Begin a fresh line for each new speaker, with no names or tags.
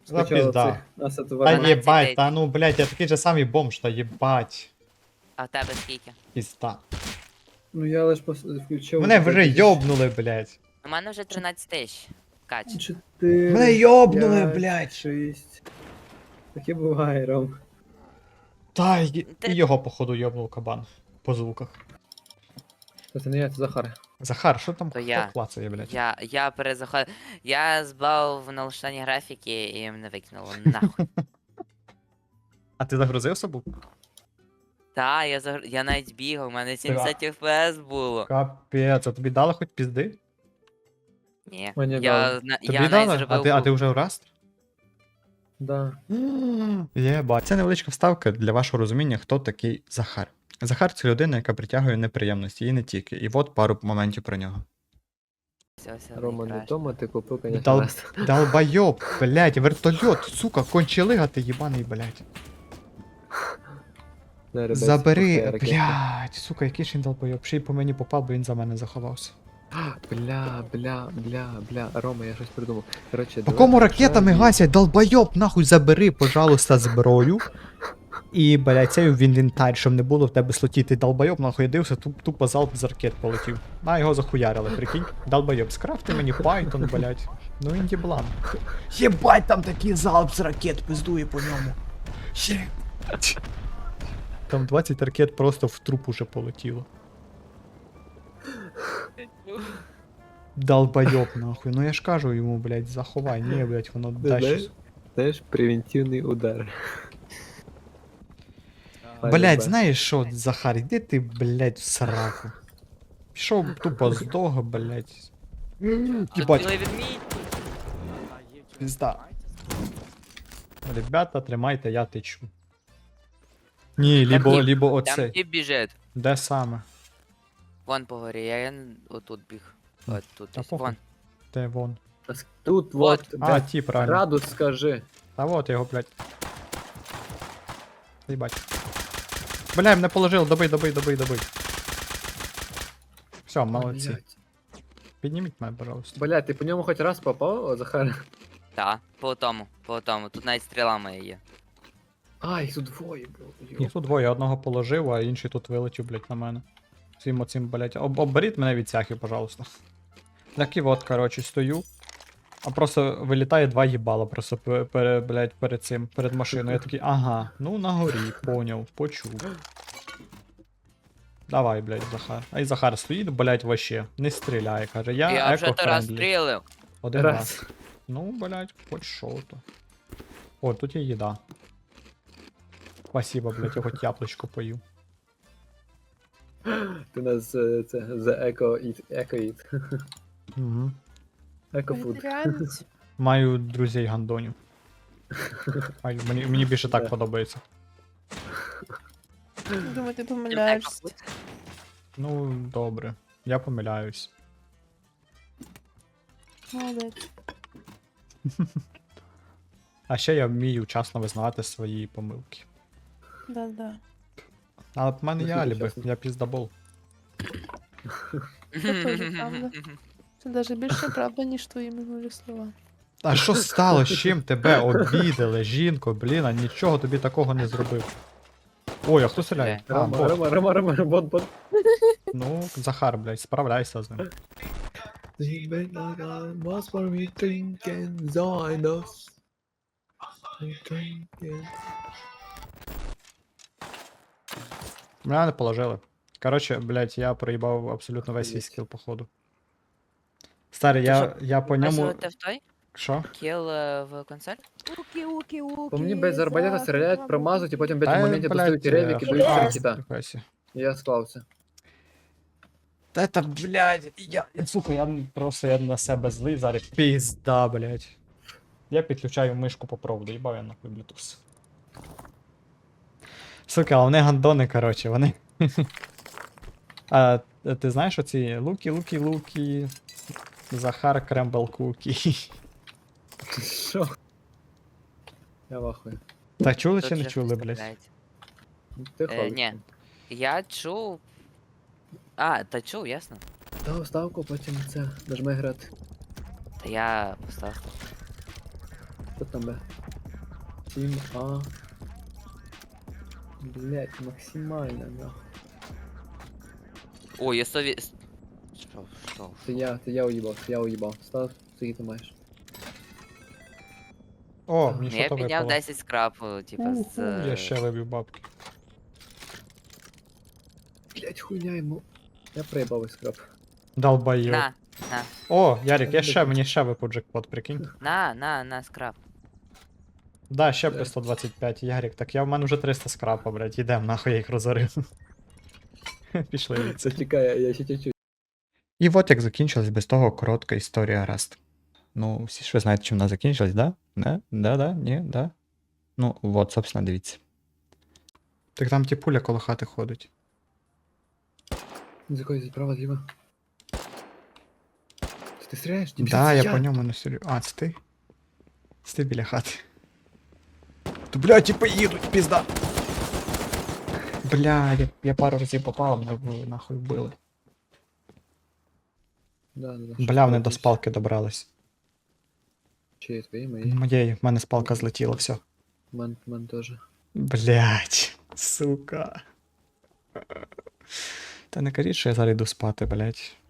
За
Спочатку
пізда.
цих нас
Та
отварили.
єбать, та ну, блядь, я такий же самий бомж, та єбать.
А в тебе скільки?
Пізда.
Ну я лиш включив.
Мене вже йобнули, блядь.
У мене вже 13 тисяч. Кач.
4.
Мене йобнули, блядь.
6. Таке буває, Ром.
Та
Ти-
і його, походу, йобнув кабан. По звуках.
Це не я, це Захар.
Захар, що там
То
хто
я.
клацає, блядь?
Я перезаходив. Я збав в налаштуванні графіки і мене викинуло. Нахуй.
А ти загрузив собу?
Та, я навіть бігав, у мене 70 FPS було.
Капець, а тобі дали хоч пізди?
Ні.
Мені
Я,
дали.
Тобі
я навіть
дали?
зробив.
А ти вже в Rust?
Да.
Єбать. Це невеличка вставка для вашого розуміння, хто такий Захар. Захар це людина, яка притягує неприємності, і не тільки. І от пару моментів про нього.
Все,
Рома, не
найкраще.
тому ти купив, конечно,
Дал...
раз.
Долбойоб, блядь, вертольот, сука, кончилига ти єбаний, блядь.
Не, ребят,
Забери,
пускай ракету.
блядь, сука, який ж він долбойоб. Ще й по мені попав, бо він за мене заховався.
Бля, Рома, я щось придумав. Короче,
По кому ракетами гасять, долбойоб, нахуй забери, пожалуйста, зброю. І, блядь, цей в інвентар, щоб не було в тебе слоті, ти долбойоб, нахуй я дивився, тупо залп з ракет полетів. На, його захуярили, прикинь. Долбойоб, скрафти мені Python, блядь. Ну він діблан. Єбать, там такий залп з ракет пиздує по ньому. Там 20 ракет просто в труп уже полетіло. Долбойоб, нахуй. Ну я ж кажу йому, блядь, заховай. Ні, блядь, воно дасть.
Знаєш, превентивний удар.
Блядь, знаєш що, Захар, іди ти, блядь, в сраку. Пішов тупо здох, блядь.
Тут
Єбать,
білий відмінь.
пізда. Ребята, тримайте, я течу. Ні, лібо
Там
оце.
тип біжить.
Де саме?
Вон по горі, я отут біг. От тут
Та
ось.
похуй.
Вон.
Де вон?
Тут вот,
А, ті, правильно.
градус скажи.
Та вот його, блядь. Єбать. Бля, мене положили, добий. Все, молодці.
Блядь.
Підніміть мене, пожалуйста.
Бля, ти по ньому хоч раз попав, о, Захар?
Та, по тому. Тут навіть стріла моя є.
А, їх тут двоє, бро.
Їх тут двоє, одного положив, а інший тут вилетів, блядь, на мене. Цим оцим, блядь. Оберіть мене від цяхи, пожалуйста. Так і от, коротше, стою. А просто вилітає два їбала, просто блядь, перед машиною. Я такий, ага, ну на горі, поняв, почув. Давай, блядь, Захар. А й Захар стоїть, блядь, вообще. Не стріляє, каже,
Я вже то раз
еко-френдлі.
стрілив.
Один раз.
Раз.
Ну, блядь, хоч шо то. О, тут є їда. Спасибо, блядь, я хоч яблучко пою.
Ти нас це за еко-іт.
Угу.
Еко-фуд.
Вегетаріанець.
Маю друзей гандонів. Мені більше так
Да.
подобається.
Думаю, ти помиляєшся.
Ну, добре. Я помиляюсь.
Молодець.
А ще я вмію вчасно визнавати свої помилки.
Да.
Але в мене є
Наскільки
аліби,
вчасно?
я піздабол.
Це теж правда. Це навіть більше правда, ніж твої минулі слова.
А що стало? З чим тебе обідали, жінко, блін, а нічого тобі такого не зробив. Ой, а хто стріляє? А, бот.
Рома, бот.
Ну, Захар, блядь, справляйся з ним. Мене не положили. Коротше, блядь, я проїбав абсолютно весь свій скіл, походу. Старий, я по ньому.
Висувати в той?
Що?
Кіл в консоль?
По мені без арбалета стріляють, промазують, і потім в
Та,
цьому моменті
блядь,
достають ревік і дають
а,
ракета.
ніхуя.
І я склався.
Та это, блядь, сука, я на себе злий зараз. Пізда, блядь. Я підключаю мишку по проводу, їбав я нахуй Bluetooth. Сука, а вони гандони, коротше, вони. А ти знаєш оці луки, Захар Крембл Кукі.
Що? Я вахую.
Та чули
Тут
чи не
вже
чули,
хтось
блядь?
стріляється.
Ти ходиш.
Ні. Я чув. А, та чув, ясно.
Та ставку, потім це, нажми грати.
Та я поставив.
Хто там Б? 7А. Блять, максимально, нахуй.
Ой, я сові... Що?
Це я уїбав. Став, скільки ти маєш?
О, мені
Ну,
що
я
то
підняв
випало.
10 скрапу, типа, з...
Я ще вибив бабки.
Блять, хуйня йому. Я проїбав весь скраб.
Долбайоб.
На,
О, Ярик, мені ще випав джекпот, прикинь.
на, скрап.
Да, ще
Да.
по 125, Ярик, так в мене вже 300 скрапа, блядь, ідем, нахуй я їх розорив. Пішли від
Це чекай, я ще чуть-чуть.
І от як закінчилась без того коротка історія Раст. Ну, всі ж ви знаєте, чим вона закінчилась, да? Не? Да, ні, да. Ну, от, собственно, дивіться. Так там пуля коло хати ходить.
З якої справа зліва? Ти стріляєш?
Да, я по ньому не стрілю. А, це ти? Це ти біля хати. То, блядь, типа їдуть, пізда. Бля, я пару разів попав, мене нахуй вбили.
Да.
Бля, вони до спалки добрались.
Чи твої, мої?
Моєї, в мене спалка злетіла, все.
Мен теж.
Блять, сука. Та не кажіть, що я зараз йду спати, блять.